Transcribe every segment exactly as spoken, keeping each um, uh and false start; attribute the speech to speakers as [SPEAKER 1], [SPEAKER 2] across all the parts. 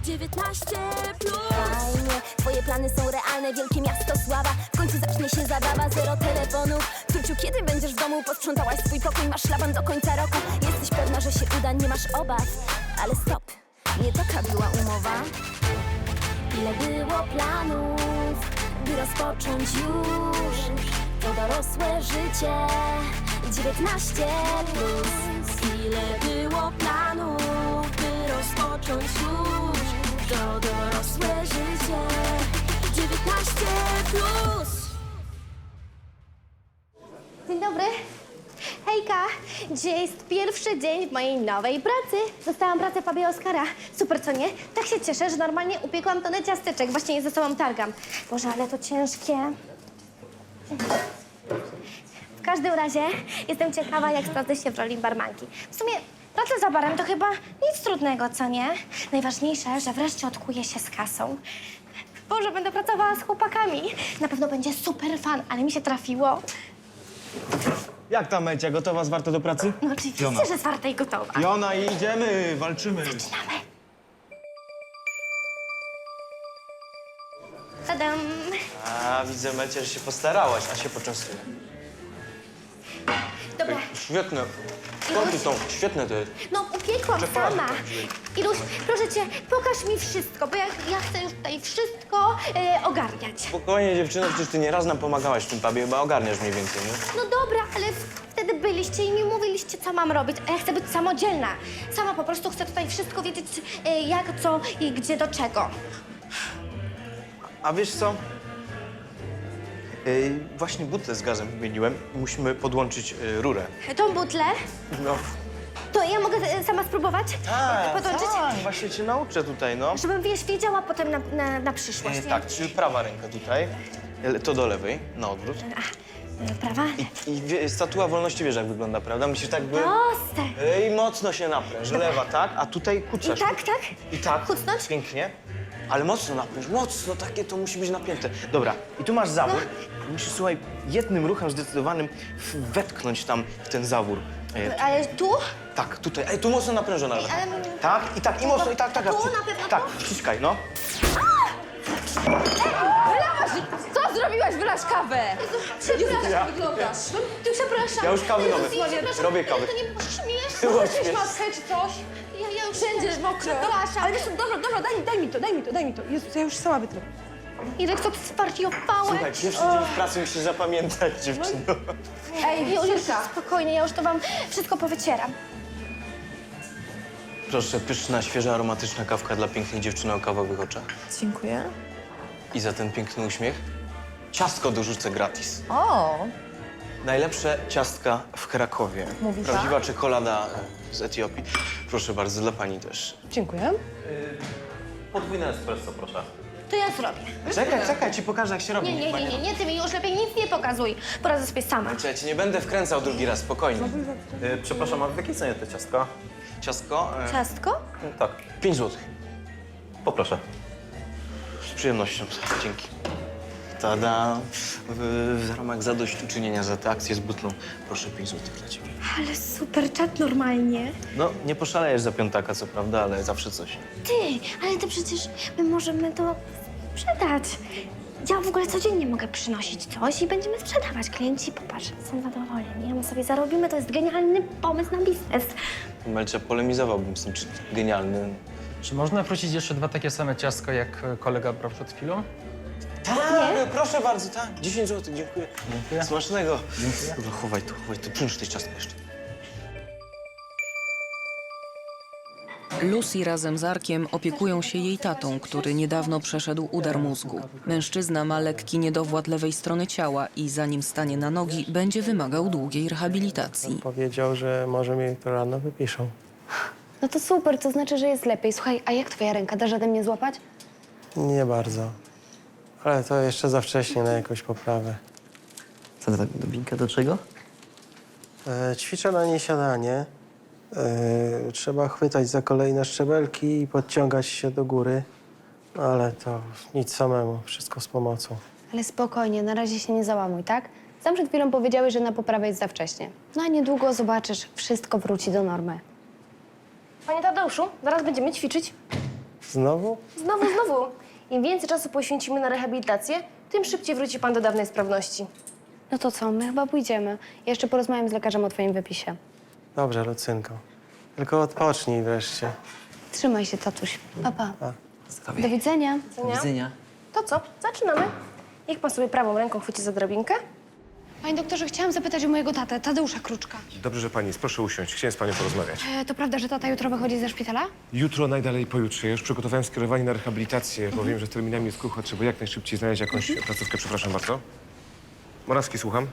[SPEAKER 1] dziewiętnaście plus. Fajnie, twoje plany są realne, wielkie miasto sława. W końcu zacznie się zabawa, zero telefonów. Tuciu, kiedy będziesz w domu? Posprzątałaś swój pokój, masz szlaban do końca roku. Jesteś pewna, że się uda, nie masz obaw. Ale stop, nie taka była umowa. Ile było planów, by rozpocząć już to dorosłe życie. dziewiętnaście plus. Ile było planów, by rozpocząć już to dorosłe życie. dziewiętnaście plus.
[SPEAKER 2] Dzień dobry. Hejka, dzisiaj jest pierwszy dzień w mojej nowej pracy. Dostałam pracę w pubie Oskara. Super, co nie? Tak się cieszę, że normalnie upiekłam tonę ciasteczek. Właśnie je ze sobą targam. Boże, ale to ciężkie. W każdym razie jestem ciekawa, jak sprawdzę się w roli barmanki. W sumie praca za barem to chyba nic trudnego, co nie? Najważniejsze, że wreszcie odkuję się z kasą. Boże, będę pracowała z chłopakami. Na pewno będzie super fan, ale mi się trafiło.
[SPEAKER 3] Jak tam, Mecia? Gotowa, zwarta do pracy?
[SPEAKER 2] No oczywiście,
[SPEAKER 3] Jona.
[SPEAKER 2] że zwarta i gotowa.
[SPEAKER 3] Jona, idziemy, walczymy.
[SPEAKER 2] Zaczynamy. Tadam.
[SPEAKER 3] A, widzę, Mecia, że się postarałaś, a się poczęstuję.
[SPEAKER 2] Dobra,
[SPEAKER 3] Świetne. Skąd ty są? Świetne to jest.
[SPEAKER 2] no upiekłam
[SPEAKER 3] Czekolady
[SPEAKER 2] sama.
[SPEAKER 3] tam wzięli.
[SPEAKER 2] Iluś, proszę cię, pokaż mi wszystko, bo ja, ja chcę już tutaj wszystko e, ogarniać.
[SPEAKER 3] Spokojnie, dziewczyno, przecież ty nieraz nam pomagałaś w tym pubie, chyba ogarniasz mniej więcej, nie?
[SPEAKER 2] No dobra, ale w- wtedy byliście i mi mówiliście, co mam robić, a ja chcę być samodzielna. Sama po prostu chcę tutaj wszystko wiedzieć, e, jak, co i gdzie, do czego.
[SPEAKER 3] A wiesz co? Yy, właśnie butlę z gazem wymieniłem i musimy podłączyć yy, rurę.
[SPEAKER 2] Tą butlę,
[SPEAKER 3] No.
[SPEAKER 2] to ja mogę e, sama spróbować? Podłączyć?
[SPEAKER 3] tak, właśnie cię nauczę tutaj, no.
[SPEAKER 2] Żebym, wiesz, wiedziała potem na, na, na przyszłość,
[SPEAKER 3] Yy,
[SPEAKER 2] nie?
[SPEAKER 3] tak, czyli prawa ręka tutaj, yy, to do lewej, na odwrót.
[SPEAKER 2] E, Prawa?
[SPEAKER 3] I, i wie, statua wolności wiesz, jak wygląda, prawda? Musisz tak by...
[SPEAKER 2] Proste.
[SPEAKER 3] Yy, I mocno się napręż, lewa, tak? A tutaj
[SPEAKER 2] I
[SPEAKER 3] kucasz.
[SPEAKER 2] tak, tak?
[SPEAKER 3] I tak.
[SPEAKER 2] Kucnąć?
[SPEAKER 3] Pięknie. Ale mocno napręż, mocno, takie to musi być napięte. Dobra, i tu masz zawór.
[SPEAKER 2] No.
[SPEAKER 3] Musisz, słuchaj, jednym ruchem zdecydowanym w- wetknąć tam w ten zawór. E,
[SPEAKER 2] Ale tu?
[SPEAKER 3] tak, tutaj. Ej, tu mocno naprężona.
[SPEAKER 2] Ej, ale-
[SPEAKER 3] Tak, i tak, i mocno, i tak, tak.
[SPEAKER 2] Tu
[SPEAKER 3] tak, przy-
[SPEAKER 2] na pewno
[SPEAKER 3] Tak,
[SPEAKER 2] tu?
[SPEAKER 3] wciskaj, no.
[SPEAKER 4] Wylałaś! Co zrobiłaś? Wylasz kawę! Przepraszam,
[SPEAKER 3] Ja-
[SPEAKER 4] wyglądasz.
[SPEAKER 2] Ty przepraszam.
[SPEAKER 3] Ja już kawy robię.
[SPEAKER 2] Przepraszam,
[SPEAKER 3] Robię kawę.
[SPEAKER 2] To nie było śmieszne.
[SPEAKER 3] Było
[SPEAKER 4] Weź
[SPEAKER 3] śmieszne.
[SPEAKER 4] maskę czy coś?
[SPEAKER 2] Ja, ja już
[SPEAKER 4] Wszędzie mokro.
[SPEAKER 2] Przepraszam.
[SPEAKER 4] Ale wiesz co, dobra, dobra, daj, mi- daj mi to, daj mi to, daj mi to. Jezus, ja już sama wytrę.
[SPEAKER 2] Irek, co ty zwariowałeś?
[SPEAKER 3] Słuchaj, pierwszy dzień w pracy musisz zapamiętać, dziewczyno.
[SPEAKER 4] Ej,
[SPEAKER 2] Już, już,
[SPEAKER 4] Cyrka.
[SPEAKER 2] spokojnie, ja już to wam wszystko powycieram.
[SPEAKER 3] Proszę, pyszna, świeża, aromatyczna kawka dla pięknej dziewczyny o kawowych oczach.
[SPEAKER 4] Dziękuję.
[SPEAKER 3] I za ten piękny uśmiech ciastko dorzucę gratis.
[SPEAKER 4] O,
[SPEAKER 3] Najlepsze ciastka w Krakowie.
[SPEAKER 4] Mówi pan?
[SPEAKER 3] Prawdziwa czekolada z Etiopii. Proszę bardzo, dla pani też.
[SPEAKER 4] dziękuję.
[SPEAKER 5] Podwójne espresso, proszę.
[SPEAKER 2] To ja zrobię.
[SPEAKER 3] Czekaj, czekaj, ci pokażę, jak się robi.
[SPEAKER 2] Nie, nie, nie, nie, nie, ty mi już lepiej nic nie pokazuj. Poradzę sobie sama.
[SPEAKER 3] Czekaj, ja cię nie będę wkręcał drugi raz, spokojnie.
[SPEAKER 5] Y, przepraszam, a w jakiej cenie te ciastka?
[SPEAKER 3] Ciastko? E,
[SPEAKER 2] Ciastko?
[SPEAKER 5] Y, tak,
[SPEAKER 3] pięć złotych.
[SPEAKER 5] poproszę.
[SPEAKER 3] Z przyjemnością, dzięki. Tada! W, w ramach zadośćuczynienia za tę akcję z butlą, proszę pięć złotych dla ciebie.
[SPEAKER 2] Ale super czat normalnie.
[SPEAKER 3] No, nie poszalejesz za piątaka, co prawda, ale zawsze coś.
[SPEAKER 2] Ty, ale to przecież my możemy to sprzedać. Ja w ogóle codziennie mogę przynosić coś i będziemy sprzedawać. Klienci, popatrz, są zadowoleni, a my sobie zarobimy. To jest genialny pomysł na biznes.
[SPEAKER 3] Melcia, polemizowałbym z tym, czy genialny.
[SPEAKER 6] Czy można wrócić jeszcze dwa takie same ciastko, jak kolega brał przed chwilą?
[SPEAKER 3] Tak, proszę bardzo, tak. dziesięć złotych, dziękuję. Dziękuję. Smacznego. Dziękuję. Dobra, chowaj to, chowaj to. Przynieś te ciastko jeszcze.
[SPEAKER 7] Lucy razem z Arkiem opiekują się jej tatą, który niedawno przeszedł udar mózgu. Mężczyzna ma lekki niedowład lewej strony ciała i zanim stanie na nogi, będzie wymagał długiej rehabilitacji.
[SPEAKER 8] Powiedział, że może mi to rano wypiszą.
[SPEAKER 9] No to super, to znaczy, że jest lepiej. Słuchaj, a jak twoja ręka? Dasz radę mnie złapać?
[SPEAKER 8] Nie bardzo. Ale to jeszcze za wcześnie na jakąś poprawę.
[SPEAKER 10] Co to tak, Dubinka, do czego?
[SPEAKER 8] E, ćwiczę na niej siadanie. E, trzeba chwytać za kolejne szczebelki i podciągać się do góry. No ale to nic samemu, wszystko z pomocą.
[SPEAKER 9] Ale spokojnie, na razie się nie załamuj, tak? Sam przed chwilą powiedziałeś, że na poprawę jest za wcześnie. No a niedługo zobaczysz, wszystko wróci do normy.
[SPEAKER 2] Panie Tadeuszu, zaraz będziemy ćwiczyć.
[SPEAKER 8] Znowu?
[SPEAKER 2] Znowu, znowu. Im więcej czasu poświęcimy na rehabilitację, tym szybciej wróci pan do dawnej sprawności.
[SPEAKER 9] No to co, my chyba pójdziemy. Jeszcze porozmawiam z lekarzem o twoim wypisie.
[SPEAKER 8] Dobrze, Lucynko. Tylko odpocznij wreszcie.
[SPEAKER 9] Trzymaj się, tatuś. Pa, pa.
[SPEAKER 10] Zdrowie.
[SPEAKER 9] Do widzenia.
[SPEAKER 10] Do widzenia.
[SPEAKER 2] To co? Zaczynamy. Niech pan sobie prawą ręką chwyci za drabinkę.
[SPEAKER 9] Panie doktorze, chciałam zapytać o mojego tatę, Tadeusza Kruczka.
[SPEAKER 11] Dobrze, że pani jest. Proszę usiąść. Chciałem z panią porozmawiać.
[SPEAKER 9] E, to prawda, że tata jutro wychodzi ze szpitala?
[SPEAKER 11] Jutro, najdalej pojutrze. Ja już przygotowałem skierowanie na rehabilitację, bo wiem, że z terminami jest krucho. Trzeba jak najszybciej znaleźć jakąś placówkę. Przepraszam bardzo. Morawski, słucham.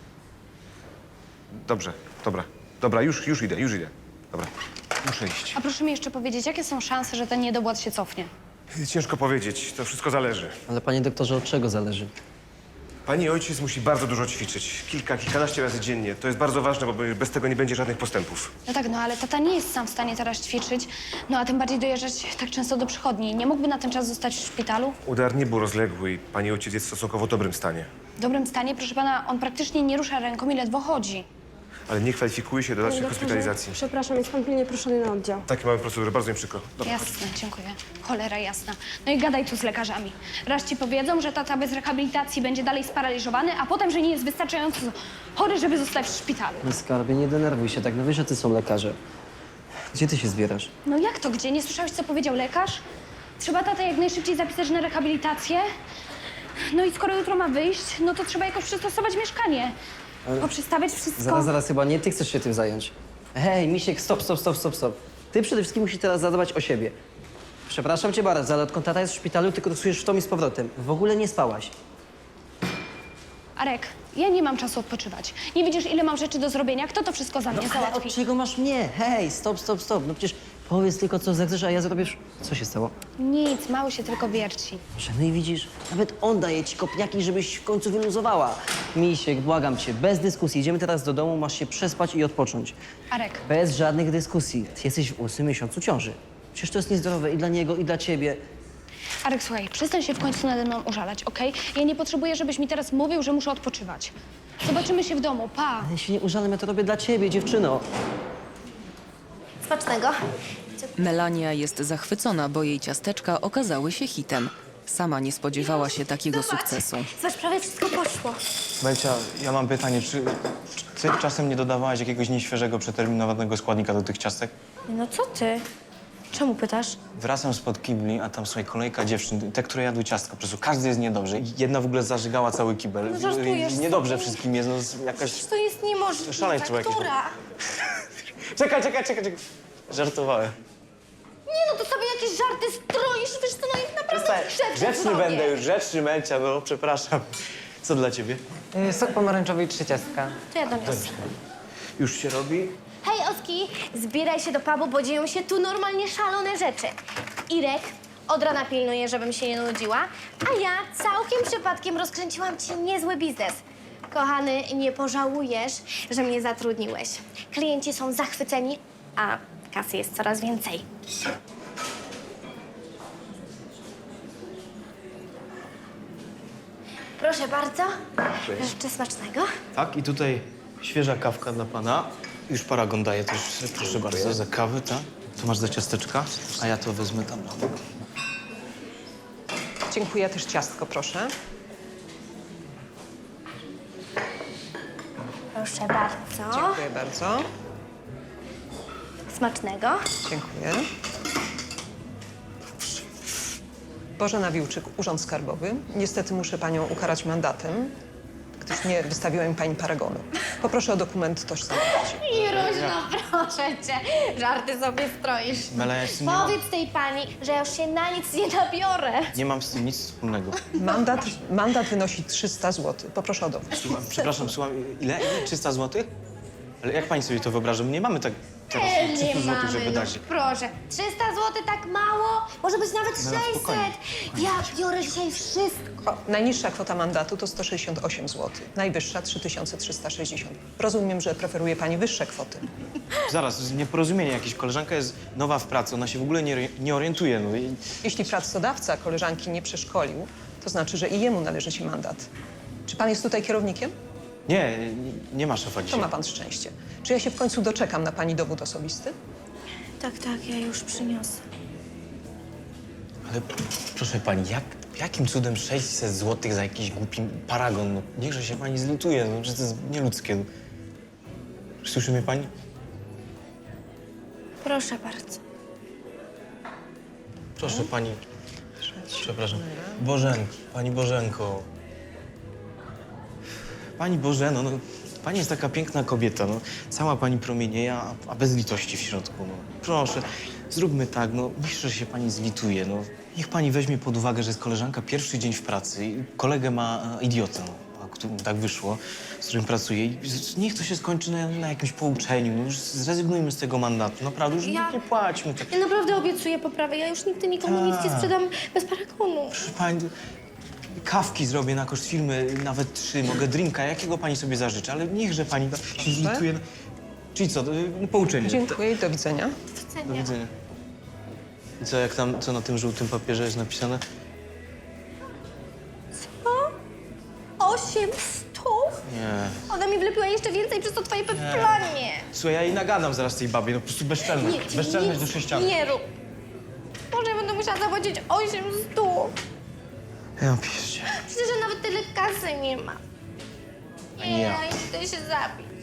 [SPEAKER 11] Dobrze, dobra. Dobra, już, już idę, już idę. Dobra, muszę iść.
[SPEAKER 9] A proszę mi jeszcze powiedzieć, jakie są szanse, że ten niedobłat się cofnie?
[SPEAKER 11] Ciężko powiedzieć. To wszystko zależy.
[SPEAKER 10] Ale panie doktorze, od czego zależy?
[SPEAKER 11] Pani ojciec musi bardzo dużo ćwiczyć. Kilka, kilkanaście razy dziennie. To jest bardzo ważne, bo bez tego nie będzie żadnych postępów.
[SPEAKER 9] No tak, no ale tata nie jest sam w stanie teraz ćwiczyć, no a tym bardziej dojeżdżać tak często do przychodni. Nie mógłby na ten czas zostać w szpitalu?
[SPEAKER 11] Udar nie był rozległy i pani ojciec jest w stosunkowo dobrym stanie.
[SPEAKER 9] W dobrym stanie, proszę pana, on praktycznie nie rusza ręką i ledwo chodzi.
[SPEAKER 11] Ale nie kwalifikuje się do dalszej hospitalizacji.
[SPEAKER 9] Przepraszam, jest pan pilnie proszony na oddział.
[SPEAKER 11] Takie mamy procedury, bardzo mi przykro. Dobra.
[SPEAKER 9] Jasne, dziękuję. Cholera jasna. No i gadaj tu z lekarzami. Raz ci powiedzą, że tata bez rehabilitacji będzie dalej sparaliżowany, a potem, że nie jest wystarczająco chory, żeby zostać w szpitalu.
[SPEAKER 10] No skarbie, nie denerwuj się tak, no wiesz, że ty są lekarze. Gdzie ty się zbierasz?
[SPEAKER 9] No jak to gdzie? Nie słyszałeś, co powiedział lekarz? Trzeba tatę jak najszybciej zapisać na rehabilitację. No i skoro jutro ma wyjść, no to trzeba jakoś przystosować mieszkanie. Poprzestawiać wszystko.
[SPEAKER 10] Zaraz, zaraz, chyba nie ty chcesz się tym zająć. Hej, Misiek, stop, stop, stop, stop, stop. Ty przede wszystkim musisz teraz zadbać o siebie. Przepraszam cię bardzo, ale odkąd tata jest w szpitalu, tylko dostajesz w tom i z powrotem. W ogóle nie spałaś.
[SPEAKER 9] Arek, ja nie mam czasu odpoczywać. Nie widzisz, ile mam rzeczy do zrobienia? Kto to wszystko za mnie
[SPEAKER 10] Ale
[SPEAKER 9] załatwi?
[SPEAKER 10] od czego masz mnie? Hej, stop, stop, stop. No przecież powiedz tylko, co zechcesz, a ja zrobię... wsz- Co się stało?
[SPEAKER 9] Nic, mały się tylko wierci.
[SPEAKER 10] Że no i widzisz, nawet on daje ci kopniaki, żebyś w końcu wyluzowała. Misiek, błagam cię, bez dyskusji. Idziemy teraz do domu, masz się przespać i odpocząć.
[SPEAKER 9] Arek,
[SPEAKER 10] Bez żadnych dyskusji. Ty jesteś w ósmym miesiącu ciąży. Przecież to jest niezdrowe i dla niego, i dla ciebie.
[SPEAKER 9] Arek, słuchaj, przestań się w końcu nade mną użalać, okej? Ja nie potrzebuję, żebyś mi teraz mówił, że muszę odpoczywać. Zobaczymy się w domu, pa!
[SPEAKER 10] Ja się nie użalam, ja to robię dla ciebie, dziewczyno.
[SPEAKER 2] Smacznego.
[SPEAKER 7] Melania jest zachwycona, bo jej ciasteczka okazały się hitem. Sama nie spodziewała się takiego sukcesu.
[SPEAKER 2] Zobacz, prawie wszystko poszło.
[SPEAKER 3] Belcia, ja mam pytanie, czy, czy ty czasem nie dodawałaś jakiegoś nieświeżego, przeterminowanego składnika do tych ciastek?
[SPEAKER 2] No co ty? Czemu pytasz?
[SPEAKER 3] Wracam spod kibli, a tam, słuchaj, kolejka dziewczyn, te, które jadły ciastka, po prostu każdy jest niedobrze. Jedna w ogóle zażygała cały kibel.
[SPEAKER 2] No żartujesz
[SPEAKER 3] Niedobrze
[SPEAKER 2] sobie.
[SPEAKER 3] wszystkim jest, no z- jakaś...
[SPEAKER 2] To jest niemożliwe.
[SPEAKER 3] Szaleństwo jakieś.
[SPEAKER 2] Która?
[SPEAKER 3] Czekaj, czekaj, czekaj, czekaj. Żartowałem.
[SPEAKER 2] Nie no, to sobie jakieś żarty stroisz, wiesz co, no i naprawdę grzeczny
[SPEAKER 3] Grzeczny
[SPEAKER 2] sobie.
[SPEAKER 3] będę już, grzeczny Melcia, no przepraszam. Co dla ciebie?
[SPEAKER 6] Sok pomarańczowy i trzy ciastka.
[SPEAKER 2] To ja doniosę.
[SPEAKER 3] Już się robi?
[SPEAKER 2] Hej, Oski, zbieraj się do pubu, bo dzieją się tu normalnie szalone rzeczy. Irek od rana pilnuje, żebym się nie nudziła, a ja całkiem przypadkiem rozkręciłam ci niezły biznes. Kochany, nie pożałujesz, że mnie zatrudniłeś. Klienci są zachwyceni, a kasy jest coraz więcej. Proszę bardzo. Życzę smacznego.
[SPEAKER 3] Tak, i tutaj świeża kawka dla pana. Już paragon daje też, proszę bardzo, za kawę, tak? Tu masz za ciasteczka, a ja to wezmę tam na bok.
[SPEAKER 4] Dziękuję, też ciastko, proszę.
[SPEAKER 2] Proszę bardzo.
[SPEAKER 4] Dziękuję bardzo.
[SPEAKER 2] Smacznego.
[SPEAKER 4] Dziękuję. Bożena Wiłczyk, Urząd Skarbowy. Niestety muszę panią ukarać mandatem, gdyż nie wystawiła mi pani paragonu. Poproszę o dokument tożsamości.
[SPEAKER 2] Iruś, no proszę cię, żarty sobie stroisz.
[SPEAKER 3] Mela, ja z tym nie mam,
[SPEAKER 2] Powiedz tej pani, że ja już się na nic nie nabiorę.
[SPEAKER 3] nie mam z tym nic wspólnego.
[SPEAKER 4] Mandat, mandat wynosi trzysta złotych. Poproszę o dowód.
[SPEAKER 3] Słucham, przepraszam, słucham, ile? Ile? trzysta złotych? Ale jak pani sobie to wyobraża? My nie mamy tak teraz
[SPEAKER 2] E, nie
[SPEAKER 3] trzysta złotych,
[SPEAKER 2] mamy,
[SPEAKER 3] żeby
[SPEAKER 2] no
[SPEAKER 3] dać.
[SPEAKER 2] proszę. trzysta złotych tak mało? Może być nawet
[SPEAKER 3] No,
[SPEAKER 2] sześćset.
[SPEAKER 3] spokojnie.
[SPEAKER 2] Ja biorę dzisiaj wszystko.
[SPEAKER 4] O, najniższa kwota mandatu to sto sześćdziesiąt osiem złotych. Najwyższa trzy tysiące trzysta sześćdziesiąt. Rozumiem, że preferuje pani wyższe kwoty.
[SPEAKER 3] Zaraz, to jest nieporozumienie jakieś. Koleżanka jest nowa w pracy, ona się w ogóle nie, nie orientuje. No i
[SPEAKER 4] Jeśli pracodawca koleżanki nie przeszkolił, to znaczy, że i jemu należy się mandat. Czy pan jest tutaj kierownikiem?
[SPEAKER 3] nie, nie, nie ma szefa
[SPEAKER 4] To
[SPEAKER 3] dzisiaj.
[SPEAKER 4] ma pan szczęście. Czy ja się w końcu doczekam na pani dowód osobisty?
[SPEAKER 2] Tak, tak, ja już przyniosę.
[SPEAKER 3] Ale proszę pani, jak, jakim cudem sześćset złotych za jakiś głupi paragon? No, niechże się pani zlituje, no, że to jest nieludzkie. No. Słyszy mnie pani?
[SPEAKER 2] Proszę bardzo.
[SPEAKER 3] Proszę pani. Przepraszam. Bożenko, pani Bożenko. Pani Bożeno, no, pani jest taka piękna kobieta, no. Cała pani promienieje, a, a bez litości w środku, no. Proszę, zróbmy tak, no, niechże się pani zlituje, no. Niech pani weźmie pod uwagę, że jest koleżanka pierwszy dzień w pracy i kolegę ma a, idiotę, no, a, który, tak wyszło, z którym pracuje. I z- niech to się skończy na, na jakimś pouczeniu, no. Już zrezygnujmy z tego mandatu, naprawdę, już
[SPEAKER 2] Ja-
[SPEAKER 3] nie płaćmy. Tak.
[SPEAKER 2] Ja naprawdę obiecuję poprawę. Ja już nigdy nikomu nic nie
[SPEAKER 3] Tak.
[SPEAKER 2] sprzedam bez paragonu.
[SPEAKER 3] Proszę pani, kawki zrobię na koszt firmy, nawet trzy, mogę drinka, jakiego pani sobie zażyczy, ale niechże pani da- się zlituje. Czyli co, y, pouczenie.
[SPEAKER 4] Dziękuję i do widzenia.
[SPEAKER 3] Do widzenia. I co, jak tam, co na tym żółtym papierze jest napisane?
[SPEAKER 2] Osiem stów?
[SPEAKER 3] Nie.
[SPEAKER 2] Ona mi wlepiła jeszcze więcej przez to twoje planie.
[SPEAKER 3] Słuchaj, ja jej nagadam zaraz tej babie, no po prostu bezczelność.
[SPEAKER 2] ty
[SPEAKER 3] Bezczelność
[SPEAKER 2] nic
[SPEAKER 3] do sześcianu.
[SPEAKER 2] nie rób. Może ja będę musiała zapłacić osiem stów.
[SPEAKER 3] Ja piszcie.
[SPEAKER 2] Przecież ja nawet tyle kasy nie ma. Nie,
[SPEAKER 3] Ja.
[SPEAKER 2] ja chcę się zabić.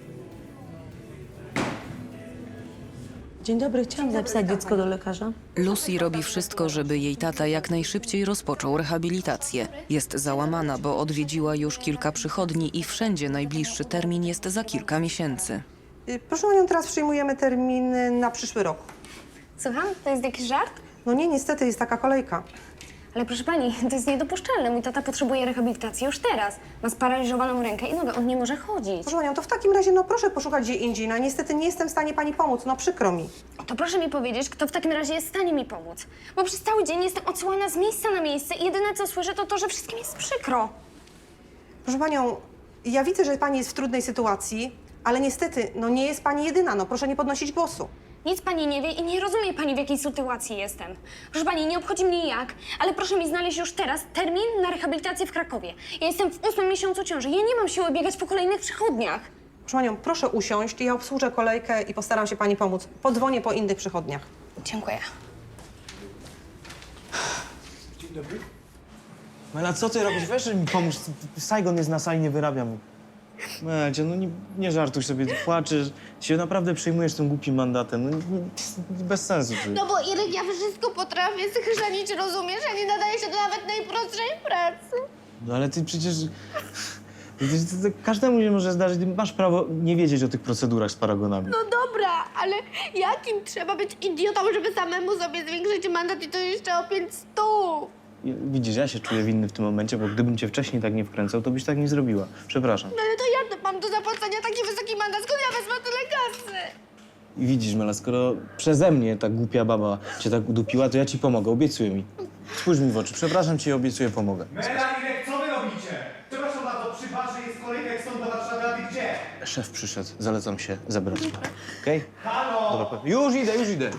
[SPEAKER 12] Dzień dobry, chciałam zapisać dziecko do lekarza.
[SPEAKER 7] Lucy robi wszystko, żeby jej tata jak najszybciej rozpoczął rehabilitację. Jest załamana, bo odwiedziła już kilka przychodni i wszędzie najbliższy termin jest za kilka miesięcy.
[SPEAKER 12] Y, Proszę panią, teraz przyjmujemy terminy na przyszły rok.
[SPEAKER 2] Słucham? To jest jakiś żart?
[SPEAKER 12] No nie, niestety jest taka kolejka.
[SPEAKER 9] Ale proszę pani, to jest niedopuszczalne. Mój tata potrzebuje rehabilitacji już teraz. Ma sparaliżowaną rękę i nogę, on nie może chodzić.
[SPEAKER 12] Proszę panią, to w takim razie no proszę poszukać gdzie indziej. No niestety nie jestem w stanie pani pomóc, no przykro mi.
[SPEAKER 9] To proszę mi powiedzieć, kto w takim razie jest w stanie mi pomóc. Bo przez cały dzień jestem odsyłana z miejsca na miejsce i jedyne co słyszę to to, że wszystkim jest przykro.
[SPEAKER 12] Proszę panią, ja widzę, że pani jest w trudnej sytuacji, ale niestety, no nie jest pani jedyna, no proszę nie podnosić głosu.
[SPEAKER 9] Nic pani nie wie i nie rozumie pani, w jakiej sytuacji jestem. Proszę pani, nie obchodzi mnie jak, ale proszę mi znaleźć już teraz termin na rehabilitację w Krakowie. Ja jestem w ósmym miesiącu ciąży. Ja nie mam siły biegać po kolejnych przychodniach.
[SPEAKER 12] Proszę panią, proszę usiąść, ja obsłużę kolejkę i postaram się pani pomóc. Podzwonię po innych przychodniach.
[SPEAKER 9] Dziękuję.
[SPEAKER 3] Mela, co ty robisz? Weź mi pomóż. Saigon jest na sali, nie wyrabiam. Melcia, no nie, nie żartuj sobie, ty płaczesz. Się naprawdę przejmujesz tym głupim mandatem. No nie, nie, bez sensu. Ty.
[SPEAKER 2] No bo Irek, ja wszystko potrafię schrzanić, rozumiesz? Ja nie nadaję się do nawet najprostszej pracy.
[SPEAKER 3] No ale ty przecież... przecież to, to każdemu się może zdarzyć. Ty masz prawo nie wiedzieć o tych procedurach z paragonami.
[SPEAKER 2] No dobra, ale jakim trzeba być idiotą, żeby samemu sobie zwiększyć mandat i to jeszcze o pięć stów?
[SPEAKER 3] I widzisz, ja się czuję winny w tym momencie, bo gdybym cię wcześniej tak nie wkręcał, to byś tak nie zrobiła. Przepraszam.
[SPEAKER 2] No ale to ja mam do zapłacenia taki wysoki mandat, skąd ja wezmę tyle kasy?
[SPEAKER 3] I widzisz, Mela, skoro przeze mnie ta głupia baba cię tak udupiła, to ja ci pomogę, obiecuję mi. Spójrz mi w oczy, przepraszam cię i obiecuję, pomogę.
[SPEAKER 13] Mela, Irek, co wy robicie? Przepraszam bardzo, przy barze jest kolejka jak stąd do Warszawy, a wy gdzie?
[SPEAKER 3] Szef przyszedł, zalecam się zebrać. Okej?
[SPEAKER 13] Halo!
[SPEAKER 3] Dobra, pe- już idę, już idę.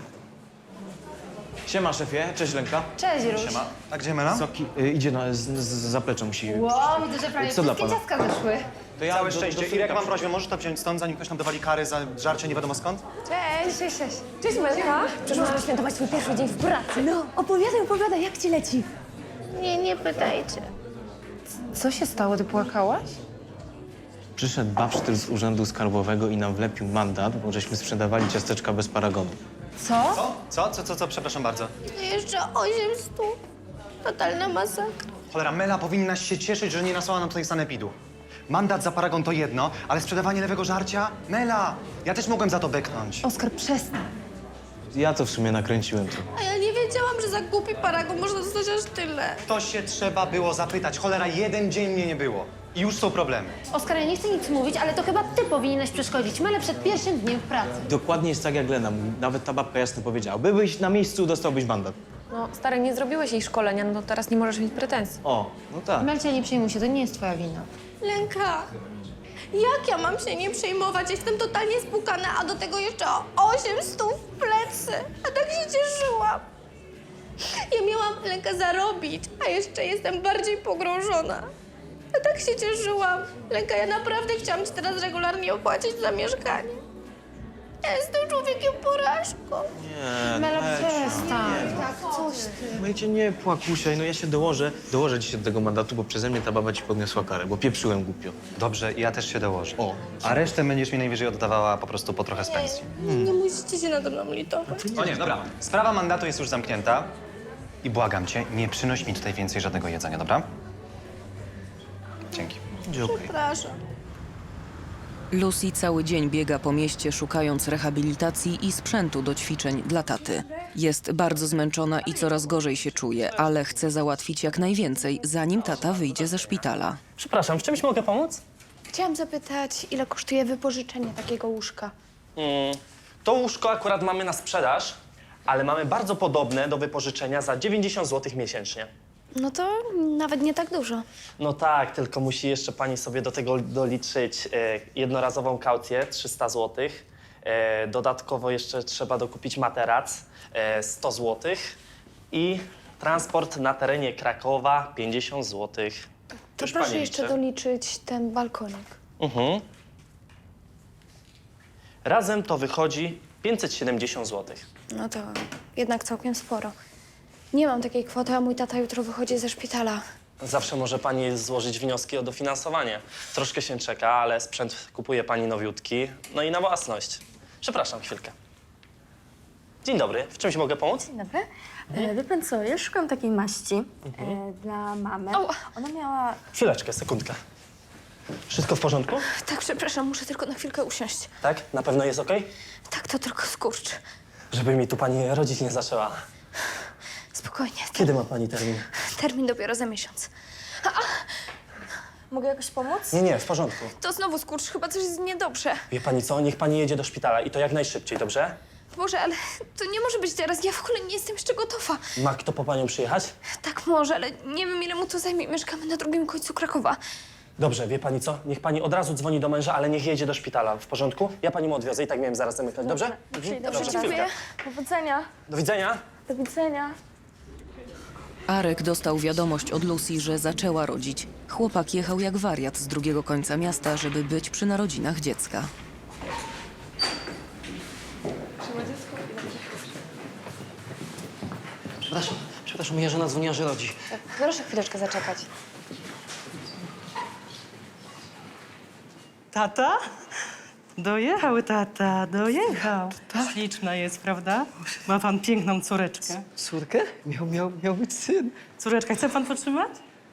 [SPEAKER 3] Siema, szefie. Cześć, Lenka.
[SPEAKER 9] Cześć, Róż.
[SPEAKER 3] Siema.
[SPEAKER 13] A gdzie Mela?
[SPEAKER 3] Soki, y, idzie na, z, z zaplecza, musi...
[SPEAKER 9] Wow, widzę, że prawie
[SPEAKER 3] Co dla
[SPEAKER 9] wszystkie
[SPEAKER 3] pana?
[SPEAKER 9] ciastka wyszły.
[SPEAKER 3] To ja
[SPEAKER 13] Całe
[SPEAKER 3] do- do
[SPEAKER 13] szczęście.
[SPEAKER 3] Fryka
[SPEAKER 13] Irek, mam
[SPEAKER 3] przy-
[SPEAKER 13] prośbę, możesz to wziąć stąd, zanim ktoś nam dowali kary za żarcie nie wiadomo skąd?
[SPEAKER 9] Cześć, cześć, cześć. Cześć, Melka. Przyszłam świętować swój pierwszy dzień w pracy. No, opowiadaj, opowiadaj, jak ci leci?
[SPEAKER 2] Nie, nie pytajcie.
[SPEAKER 9] Co się stało? Ty płakałaś?
[SPEAKER 3] Przyszedł babsztyl z urzędu skarbowego i nam wlepił mandat, bo żeśmy sprzedawali ciasteczka bez paragonu.
[SPEAKER 9] Co?
[SPEAKER 13] Co? Co? Co, co, co? Przepraszam bardzo.
[SPEAKER 2] To jeszcze osiem stów. Totalna masakra.
[SPEAKER 13] Cholera, Mela powinnaś się cieszyć, że nie nasłała nam tutaj sanepidu. Mandat za paragon to jedno, ale sprzedawanie lewego żarcia? Mela, ja też mogłem za to beknąć.
[SPEAKER 9] Oskar, przestań.
[SPEAKER 3] Ja to w sumie nakręciłem trochę.
[SPEAKER 2] A ja nie wiedziałam, że za głupi paragon można dostać aż tyle.
[SPEAKER 13] To się trzeba było zapytać. Cholera, jeden dzień mnie nie było. I już są problemy.
[SPEAKER 9] Oskar, ja nie chcę nic mówić, ale to chyba ty powinieneś przeszkodzić Melę przed pierwszym dniem w pracy.
[SPEAKER 3] Dokładnie jest tak, jak Lena mówi. Nawet ta babka jasno powiedziała. Byłeś na miejscu, dostałbyś mandat.
[SPEAKER 14] No, stary, nie zrobiłeś jej szkolenia, no to teraz nie możesz mieć pretensji.
[SPEAKER 3] O, no tak.
[SPEAKER 14] Melcia, nie przejmuj się, to nie jest twoja wina.
[SPEAKER 2] Lenka, jak ja mam się nie przejmować? Jestem totalnie spłukana, a do tego jeszcze o osiem stów w plecy. A tak się cieszyłam. Ja miałam, Lenka, zarobić, a jeszcze jestem bardziej pogrążona. A tak się cieszyłam. Lenka, ja naprawdę chciałam ci teraz regularnie opłacić za mieszkanie. Ja jestem człowiekiem porażką.
[SPEAKER 3] Nie,
[SPEAKER 14] Mela,
[SPEAKER 3] Melcia,
[SPEAKER 14] przestań.
[SPEAKER 3] nie.
[SPEAKER 2] Tak, coś ty.
[SPEAKER 3] Melcie, nie płakusiaj, no ja się dołożę. Dołożę ci się do tego mandatu, bo przeze mnie ta baba ci podniosła karę, bo pieprzyłem głupio.
[SPEAKER 13] Dobrze, ja też się dołożę.
[SPEAKER 3] O.
[SPEAKER 13] A resztę będziesz mi najwyżej oddawała po prostu po trochę z pensji.
[SPEAKER 2] Nie, nie musicie się nade mną litować.
[SPEAKER 13] O nie, dobra. Sprawa mandatu jest już zamknięta. I błagam cię, nie przynoś mi tutaj więcej żadnego jedzenia, dobra? Dzięki.
[SPEAKER 3] Będzie okej.
[SPEAKER 2] Przepraszam.
[SPEAKER 7] Lucy cały dzień biega po mieście, szukając rehabilitacji i sprzętu do ćwiczeń dla taty. Jest bardzo zmęczona i coraz gorzej się czuje, ale chce załatwić jak najwięcej, zanim tata wyjdzie ze szpitala.
[SPEAKER 15] Przepraszam, w czymś mogę pomóc?
[SPEAKER 2] Chciałam zapytać, ile kosztuje wypożyczenie takiego łóżka?
[SPEAKER 15] Mm, to łóżko akurat mamy na sprzedaż, ale mamy bardzo podobne do wypożyczenia za dziewięćdziesiąt złotych miesięcznie.
[SPEAKER 2] No to nawet nie tak dużo.
[SPEAKER 15] No tak, tylko musi jeszcze pani sobie do tego doliczyć e, jednorazową kaucję trzysta złotych. E, dodatkowo jeszcze trzeba dokupić materac e, sto złotych i transport na terenie Krakowa pięćdziesiąt złotych.
[SPEAKER 2] To
[SPEAKER 15] Już
[SPEAKER 2] proszę
[SPEAKER 15] pani
[SPEAKER 2] jeszcze
[SPEAKER 15] liczy.
[SPEAKER 2] doliczyć ten balkonik.
[SPEAKER 15] Mhm. Razem to wychodzi pięćset siedemdziesiąt złotych.
[SPEAKER 2] No to jednak całkiem sporo. Nie mam takiej kwoty, a mój tata jutro wychodzi ze szpitala.
[SPEAKER 15] Zawsze może pani złożyć wnioski o dofinansowanie. Troszkę się czeka, ale sprzęt kupuje pani nowiutki. No i na własność. Przepraszam, chwilkę. Dzień dobry, w czymś mogę pomóc?
[SPEAKER 16] Dzień dobry. E, wie pan co, ja szukam takiej maści e, dla mamy. Ona miała...
[SPEAKER 15] Chwileczkę, sekundkę. Wszystko w porządku?
[SPEAKER 2] Tak, przepraszam, muszę tylko na chwilkę usiąść.
[SPEAKER 15] Tak? Na pewno jest okej?
[SPEAKER 2] Tak, to tylko skurcz.
[SPEAKER 15] Żeby mi tu pani rodzić nie zaczęła.
[SPEAKER 2] Spokojnie.
[SPEAKER 15] Kiedy ma pani termin?
[SPEAKER 2] Termin dopiero za miesiąc.
[SPEAKER 16] Mogę jakoś pomóc?
[SPEAKER 15] Nie, nie, w porządku.
[SPEAKER 2] To znowu skurcz, chyba coś jest niedobrze.
[SPEAKER 15] Wie pani co? Niech pani jedzie do szpitala i to jak najszybciej, dobrze?
[SPEAKER 2] Boże, ale to nie może być teraz. Ja w ogóle nie jestem jeszcze gotowa.
[SPEAKER 15] Ma kto po panią przyjechać?
[SPEAKER 2] Tak może, ale nie wiem, ile mu to zajmie. Mieszkamy na drugim końcu Krakowa.
[SPEAKER 15] Dobrze, wie pani co? Niech pani od razu dzwoni do męża, ale niech jedzie do szpitala. W porządku? Ja pani mu odwiozę i tak miałem zaraz zamykać, dobrze? Mhm.
[SPEAKER 16] Dobrze,
[SPEAKER 15] Dobrze,
[SPEAKER 16] dziękuję.
[SPEAKER 15] chwilkę.
[SPEAKER 16] Powodzenia.
[SPEAKER 15] Do widzenia.
[SPEAKER 16] Do widzenia.
[SPEAKER 7] Arek dostał wiadomość od Lucy, że zaczęła rodzić. Chłopak jechał jak wariat z drugiego końca miasta, żeby być przy narodzinach dziecka.
[SPEAKER 10] Przepraszam, przepraszam, moja żona dzwoniła, że rodzi.
[SPEAKER 14] Proszę chwileczkę zaczekać.
[SPEAKER 17] Tata? Dojechał tata, dojechał. Śliczna jest, prawda? Ma pan piękną córeczkę.
[SPEAKER 10] Córkę? Miał, miał, miał być syn.
[SPEAKER 17] Córeczka, chce pan potrzymać?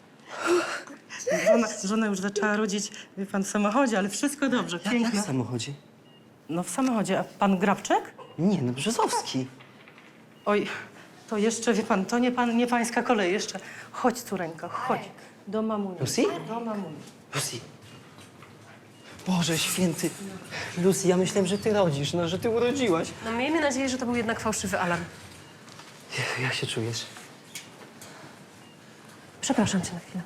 [SPEAKER 17] Żona, żona już zaczęła rodzić, wie pan, w samochodzie, ale wszystko dobrze,
[SPEAKER 10] Jak, jak
[SPEAKER 17] piękna.
[SPEAKER 10] w samochodzie?
[SPEAKER 17] No w samochodzie, a pan Grabczek?
[SPEAKER 10] Nie, no Brzozowski.
[SPEAKER 17] Oj, to jeszcze, wie pan, to nie, pan, nie pańska kolej, jeszcze. Chodź, córeńko, chodź. Do mamuni.
[SPEAKER 10] Lucy?
[SPEAKER 17] Do mamuni.
[SPEAKER 10] Lucy. Boże święty. Lucy, ja myślałem, że ty rodzisz, no, że ty urodziłaś.
[SPEAKER 17] No miejmy nadzieję, że to był jednak fałszywy alarm.
[SPEAKER 10] Jak się czujesz?
[SPEAKER 18] Przepraszam cię na chwilę.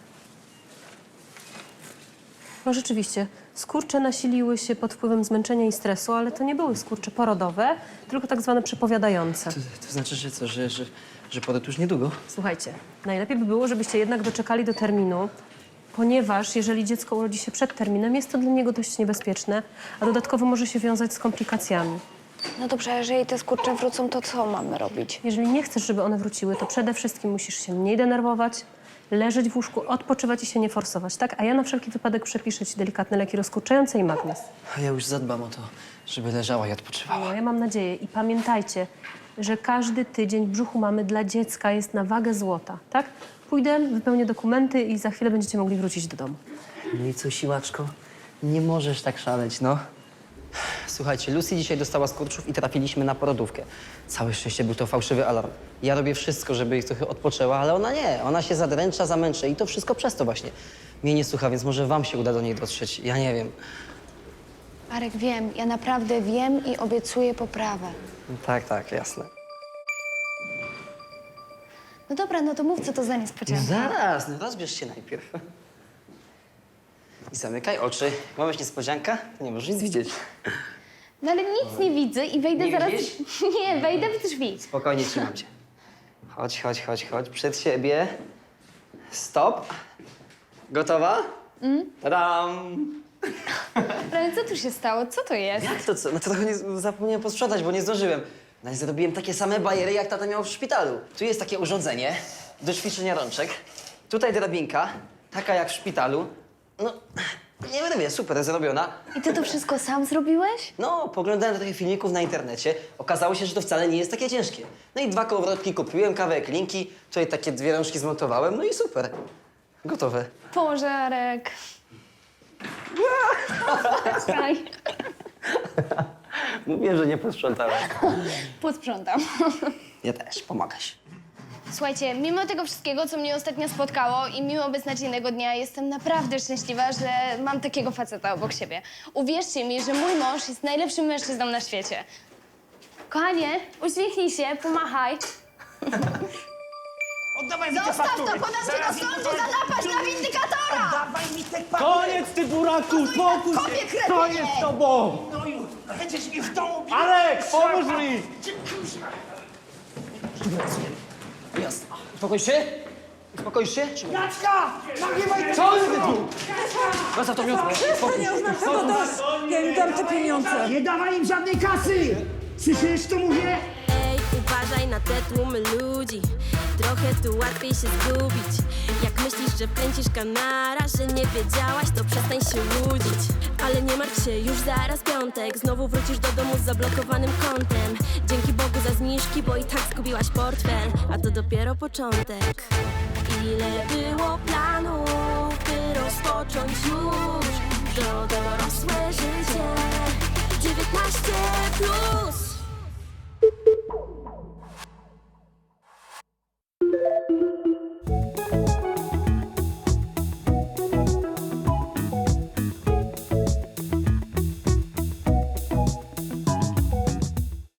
[SPEAKER 18] No rzeczywiście, skurcze nasiliły się pod wpływem zmęczenia i stresu, ale to nie były skurcze porodowe, tylko tak zwane przepowiadające.
[SPEAKER 10] To, to znaczy, że co, że, że, że poród już niedługo?
[SPEAKER 18] Słuchajcie, najlepiej by było, żebyście jednak doczekali do terminu, ponieważ jeżeli dziecko urodzi się przed terminem, jest to dla niego dość niebezpieczne, a dodatkowo może się wiązać z komplikacjami.
[SPEAKER 2] No dobrze, a jeżeli te skurcze wrócą, to co mamy robić?
[SPEAKER 18] Jeżeli nie chcesz, żeby one wróciły, to przede wszystkim musisz się mniej denerwować, leżeć w łóżku, odpoczywać i się nie forsować, tak? A ja na wszelki wypadek przepiszę ci delikatne leki rozkurczające i magnez.
[SPEAKER 10] A ja już zadbam o to, żeby leżała i odpoczywała.
[SPEAKER 18] No, ja mam nadzieję. I pamiętajcie, że każdy tydzień w brzuchu mamy dla dziecka jest na wagę złota, tak? Pójdę, wypełnię dokumenty i za chwilę będziecie mogli wrócić do domu.
[SPEAKER 10] No i co, siłaczko? Nie możesz tak szaleć, no. Słuchajcie, Lucy dzisiaj dostała skurczów i trafiliśmy na porodówkę. Całe szczęście był to fałszywy alarm. Ja robię wszystko, żeby ich trochę odpoczęła, ale ona nie. Ona się zadręcza, zamęczy i to wszystko przez to właśnie. Mnie nie słucha, więc może wam się uda do niej dotrzeć. Ja nie wiem.
[SPEAKER 2] Arek, wiem, ja naprawdę wiem i obiecuję poprawę.
[SPEAKER 10] No tak, tak, jasne.
[SPEAKER 2] No dobra, no to mów, co to za
[SPEAKER 10] No
[SPEAKER 2] niespodzianka.
[SPEAKER 10] zaraz, no rozbierz się najpierw. I zamykaj oczy. Ma być niespodzianka? To nie możesz nic widzieć.
[SPEAKER 2] No ale nic nie widzę i wejdę
[SPEAKER 10] Nie
[SPEAKER 2] zaraz...
[SPEAKER 10] widzisz?
[SPEAKER 2] Nie, wejdę w drzwi.
[SPEAKER 10] Spokojnie, trzymam cię. Chodź, chodź, chodź, chodź. Przed siebie. Stop. Gotowa?
[SPEAKER 2] Mm?
[SPEAKER 10] Tadam!
[SPEAKER 9] Ale co tu się stało? Co to jest?
[SPEAKER 10] Jak to co? No to trochę nie, zapomniałem posprzątać, bo nie zdążyłem. No i zrobiłem takie same bajery, jak tata miał w szpitalu. Tu jest takie urządzenie do ćwiczenia rączek. Tutaj drabinka, taka jak w szpitalu. No, nie będę wie, super zrobiona.
[SPEAKER 2] I ty to wszystko sam zrobiłeś?
[SPEAKER 10] No, poglądałem trochę filmików na internecie. Okazało się, że to wcale nie jest takie ciężkie. No i dwa kołowrotki kupiłem, kawałek linki, tutaj takie dwie rączki zmontowałem, no i super. Gotowe.
[SPEAKER 9] Pożarek. Słuchaj,
[SPEAKER 10] Mówiłem, że nie posprzątałem.
[SPEAKER 9] posprzątam.
[SPEAKER 10] Ja też, pomagasz.
[SPEAKER 9] Słuchajcie, mimo tego wszystkiego, co mnie ostatnio spotkało i mimo beznadziejnego dnia, jestem naprawdę szczęśliwa, że mam takiego faceta obok siebie. Uwierzcie mi, że mój mąż jest najlepszym mężczyzną na świecie. Kochanie, uśmiechnij się, pomachaj.
[SPEAKER 19] Oddawaj mi te
[SPEAKER 9] Zostaw
[SPEAKER 19] faktury.
[SPEAKER 9] to, podam cię
[SPEAKER 19] Zaraz
[SPEAKER 9] do sądu
[SPEAKER 19] mi to-
[SPEAKER 9] za napaść na windykatora!
[SPEAKER 19] Oddawaj mi te faktury.
[SPEAKER 3] Koniec, ty buraku, spokój
[SPEAKER 9] Kopie,
[SPEAKER 3] się!
[SPEAKER 9] kretynie!
[SPEAKER 3] Co jest z tobą?
[SPEAKER 19] No już, będziesz mi w domu bił.
[SPEAKER 3] Alek, pomóż mi!
[SPEAKER 10] Jasne. Uspokoisz się? Uspokoisz się? Trzymaj.
[SPEAKER 19] Jacka! Nagrywaj te
[SPEAKER 10] Co
[SPEAKER 19] faktury.
[SPEAKER 10] ty tu? Zostaw to miotło.
[SPEAKER 19] Przestań, ja już mam tego dość. Ja im dam te pieniądze. Nie dawaj im żadnej kasy. Słyszysz, co mówię?
[SPEAKER 1] Ej, uważaj na te tłumy ludzi. Trochę tu łatwiej się zgubić. Jak myślisz, że pędzisz kanara, że nie wiedziałaś, to przestań się łudzić. Ale nie martw się, już zaraz piątek. Znowu wrócisz do domu z zablokowanym kontem. Dzięki Bogu za zniżki, bo i tak zgubiłaś portfel. A to dopiero początek. Ile było planów, by rozpocząć już to dorosłe życie. dziewiętnaście plus.